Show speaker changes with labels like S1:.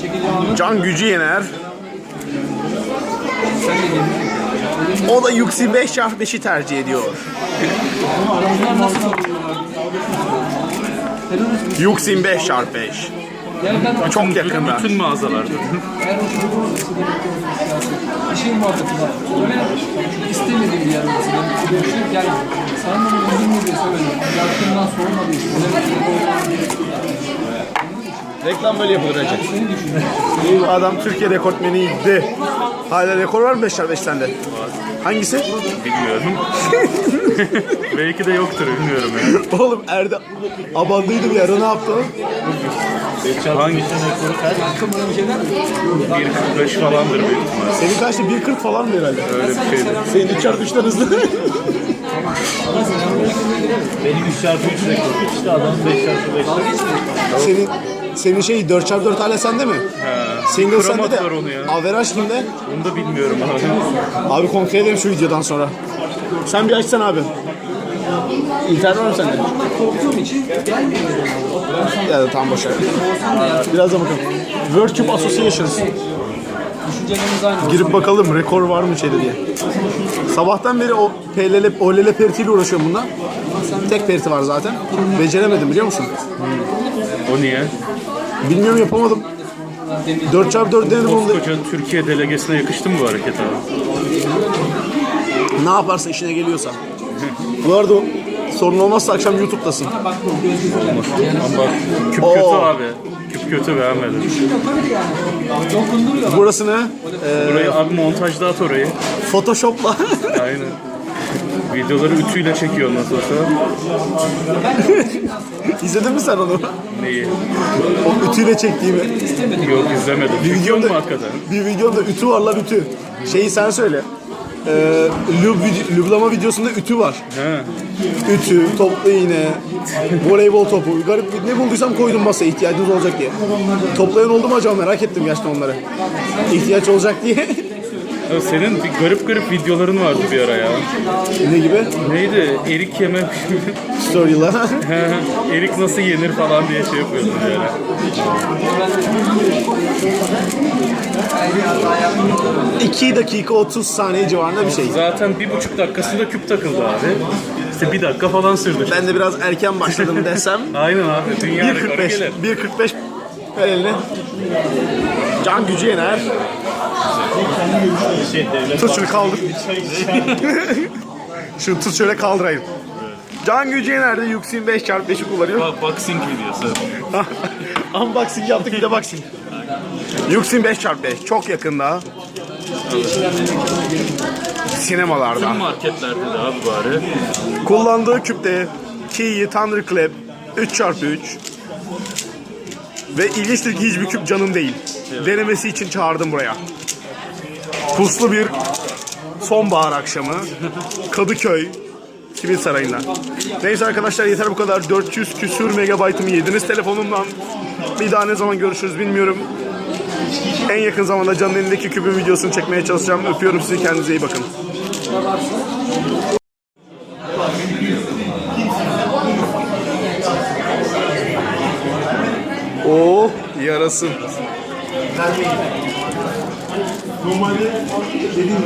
S1: Can Gücü Yener. O da Yuxi 5x5'i tercih ediyor. Yuxi 5x5. Çok yakında.
S2: Bütün mağazalarda.
S3: Bir şey muhabbeti var. İstemediğim bir yer mesela. Yani sen bana uygun mu diye söyledim. Yakından soğumadı işte.
S1: Reklam böyle yapılır Recep. Adam Türkiye rekortmeniydi. Hala rekor var mı 5x5 sende? Hangisi?
S2: Bilmiyorum. Belki de yoktur, bilmiyorum ya.
S1: Oğlum Erdem abandıydı bir ara, ne yaptı?
S2: Hangisinin rekoru kaç? 1.45 falandır büyük ihtimalle.
S1: Senin kaçtı? 1.40 falan mı herhalde?
S2: Öyle bir şeydi.
S1: Senin 3x3'ten hızlı.
S2: Benim 3x3 rekorum. İşte adam 5x5.
S1: Senin şey 4x4 hala sende mi? Single sende de.
S2: Var onu ya.
S1: Averaj kimde?
S2: Onu da bilmiyorum abi.
S1: Abi kontrol edelim şu videodan sonra. Sen bir açsana abi. İnternet var mı sende?
S3: Korktuğum için gelmiyor.
S1: Ya da tam boşver. Birazdan bakalım. World Cup Associations.
S3: Düşüncelerimiz aynı.
S1: Girip bakalım rekor var mı içeri diye. Sabahtan beri o OLL peritiyle uğraşıyorum bundan. Tek periti var zaten. Beceremedim biliyor musun?
S2: O niye?
S1: Bilmiyorum, yapamadım. 4x4 denedim onu da.
S2: Koskoca Türkiye delegesine yakıştı mı bu hareket abi?
S1: Ne yaparsa işine geliyorsa. Bu arada sorun olmazsa akşam YouTube'dasın.
S2: Ama bak, küp kötü abi. Küp kötü, beğenmedim.
S1: Burası ne?
S2: Burayı abi montajda at orayı.
S1: Photoshop'la.
S2: Aynen. Videoları ütüyle çekiyor nasıl olsa.
S1: İzledin mi sen onu?
S2: Neyi?
S1: O ütüyle çektiğimi.
S2: Yok, izlemedim.
S1: Bir
S2: Çekiyor mu
S1: videomda,
S2: hakikaten?
S1: bir videomda ütü var la, ütü. Şeyi sen söyle. Lüblama videosunda ütü var.
S2: He.
S1: Ütü, toplu iğne, voleybol topu. Garip ne bulduysam koydum masaya, ihtiyacınız olacak diye. Toplayan oldu mu acaba, merak ettim gerçekten onları. İhtiyaç olacak diye.
S2: Ya senin bir garip videoların vardı bir ara ya.
S1: Ne gibi?
S2: Neydi? Erik yeme.
S1: Story'la.
S2: Erik nasıl yenir falan diye şey yapıyordun yani.
S1: 2 dakika 30 saniye civarında bir şey.
S2: Zaten 1,5 dakikasında küp takıldı abi. İşte 1 dakika falan sürdü.
S1: Ben de biraz erken başladım desem.
S2: Aynen abi. Dünya rekoru
S1: 1.45.
S2: gelir.
S1: 1.45 ver eline. Can Gücü Yener. Tut şunu, kaldır. Şunu tut şöyle, kaldırayım. Can Gücü Yener'de Yuxin 5x5'i kullanıyor.
S2: Boxing videosu.
S1: Unboxing yaptık, bir de boxing. Yuxin 5x5 çok yakında. Sinemalarda.
S2: Tüm marketlerde de abi bari.
S1: Kullandığı küpte Kiyi Thunderclap 3x3. Ve ilginçtir ki hiçbir küp Can'ın değil. Denemesi için çağırdım buraya. Puslu bir sonbahar akşamı Kadıköy Sivil Sarayı'ndan. Neyse arkadaşlar, yeter bu kadar. 400 küsür megabaytımı yediniz telefonumdan. Bir daha ne zaman görüşürüz bilmiyorum. En yakın zamanda Can'ın elindeki küpün videosunu çekmeye çalışacağım. Öpüyorum sizi, kendinize iyi bakın. Oh, yarasın. Normalde dediğim